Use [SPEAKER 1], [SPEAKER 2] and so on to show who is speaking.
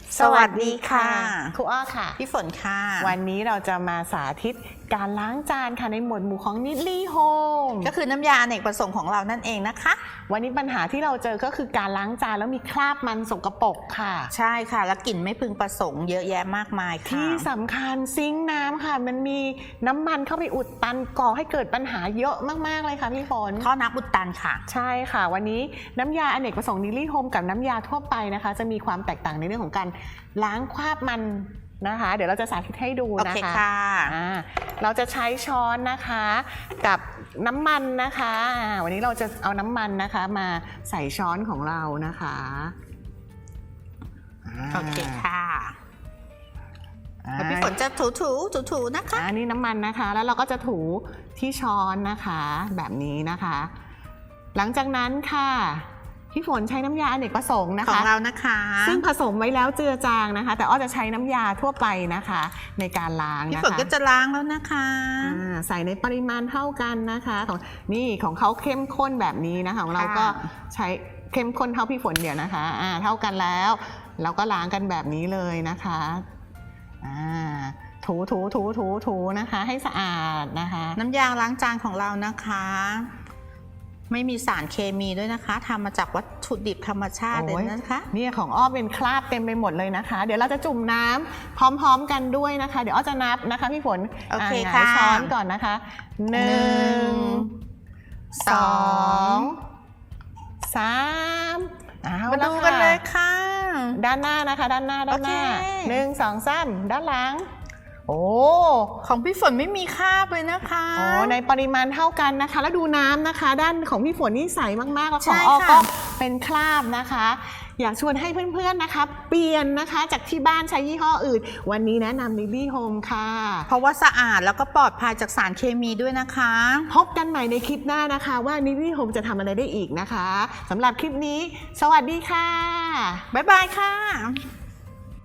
[SPEAKER 1] สวัสดีค่ะ
[SPEAKER 2] ครูอ้อค่ะ
[SPEAKER 1] พี่ฝนค่ะ
[SPEAKER 2] วันนี้เราจะมาสาธิตการล้างจานค่ะในหมวดหมู่ของนิดลี่โฮม
[SPEAKER 1] ก็คือน้ำยาอเนกประสงค์ของเรานั่นเองนะคะ
[SPEAKER 2] วันนี้ปัญหาที่เราเจอก็คือการล้างจานแล้วมีคราบมันสกปรกค่ะ
[SPEAKER 1] ใช่ค่ะแล้วกลิ่นไม่พึงประสงค์เยอะแยะมากมายค่ะ
[SPEAKER 2] ที่สำคัญซิงค์น้ำค่ะมันมีน้ำมันเข้าไปอุดตันก่อให้เกิดปัญหาเยอะมากๆเลยค่ะพี่ฝน
[SPEAKER 1] ท่อน้ำอุดตันค่ะ
[SPEAKER 2] ใช่ค่ะวันนี้น้ำยาอเนกประสงค์นิลลี่โฮมกับน้ำยาทั่วไปนะคะ จะมีความแตกต่างในเรื่องของการล้างคราบมันนะคะ เดี๋ยวเราจะสาธิตให้ดู
[SPEAKER 1] โอ
[SPEAKER 2] นะ
[SPEAKER 1] เค
[SPEAKER 2] คะ
[SPEAKER 1] ค่ะ
[SPEAKER 2] เราจะใช้ช้อนนะคะกับน้ำมันนะคะวันนี้เราจะเอาน้ำมันนะคะมาใส่ช้อนของเรานะคะ
[SPEAKER 1] โอเคค่ะแล้วพี่ฝนจะถูนะคะ
[SPEAKER 2] นี่น้ำมันนะคะแล้วเราก็จะถูที่ช้อนนะคะแบบนี้นะคะ หลังจากนั้นค่ะพี่ฝนใช้น้ำยาอเนกประสงค์นะ
[SPEAKER 1] ขอ
[SPEAKER 2] คะ
[SPEAKER 1] งเรานะคะ
[SPEAKER 2] ซึ่งผสมไว้แล้วเจือจางนะคะ แต่อ้อจะใช้น้ำยาทั่วไปนะคะในการล้าง
[SPEAKER 1] พี่
[SPEAKER 2] นะคะ
[SPEAKER 1] ฝนก็จะล้างแล้วนะคะ
[SPEAKER 2] ใส่ในปริมาณเท่ากันนะคะของเขาเข้มข้นแบบนี้นะคะของเราก็ใช้เข้มข้นเท่าพี่ฝนเดี๋ยวนะคะเท่ากันแล้วเราก็ล้างกันแบบนี้เลยนะคะถูนะคะให้สะอาดนะคะ
[SPEAKER 1] น้ำยาล้างจานของเรานะคะ ไม่มีสารเคมีด้วยนะคะทำมาจากวัตถุดิบธรรมชาติเลยนะคะ
[SPEAKER 2] เนี่ยของอ้อเป็นคราบเต็มไปหมดเลยนะคะ เดี๋ยวเราจะจุ่มน้ำพร้อมๆกันด้วยนะคะ เดี๋ยวอ้อจะนับนะคะพี่ฝน
[SPEAKER 1] โอเคค่ะ
[SPEAKER 2] ช้อนก่อนนะคะ1 2 3
[SPEAKER 1] มาดูกันเลยค่ะ
[SPEAKER 2] ด้านหน้านะคะด้านหน้า
[SPEAKER 1] โอเค
[SPEAKER 2] 1 2 3ด้านหลังโอ้
[SPEAKER 1] ของพี่ฝนไม่มีคราบเลยนะคะ
[SPEAKER 2] ในปริมาณเท่ากันนะคะ แล้วดูน้ำนะคะ ด้านของพี่ฝนนี่ใสมากๆแล้วของ
[SPEAKER 1] ใช่
[SPEAKER 2] อ้อ
[SPEAKER 1] ค่ะ
[SPEAKER 2] ก็เป็นคราบนะคะ อยากชวนให้เพื่อนๆนะคะ เปลี่ยนนะคะจากที่บ้านใช้ยี่ห้ออื่น วันนี้แนะนำ Nivy Home ค่ะ
[SPEAKER 1] เพราะว่าสะอาดแล้วก็ปลอดภัยจากสารเคมีด้วยนะคะ
[SPEAKER 2] พบกันใหม่ในคลิปหน้านะคะว่า Nivy Home จะทำอะไรได้อีกนะคะสำหรับคลิปนี้ สวัสดีค่ะ
[SPEAKER 1] บ๊ายบายค่ะ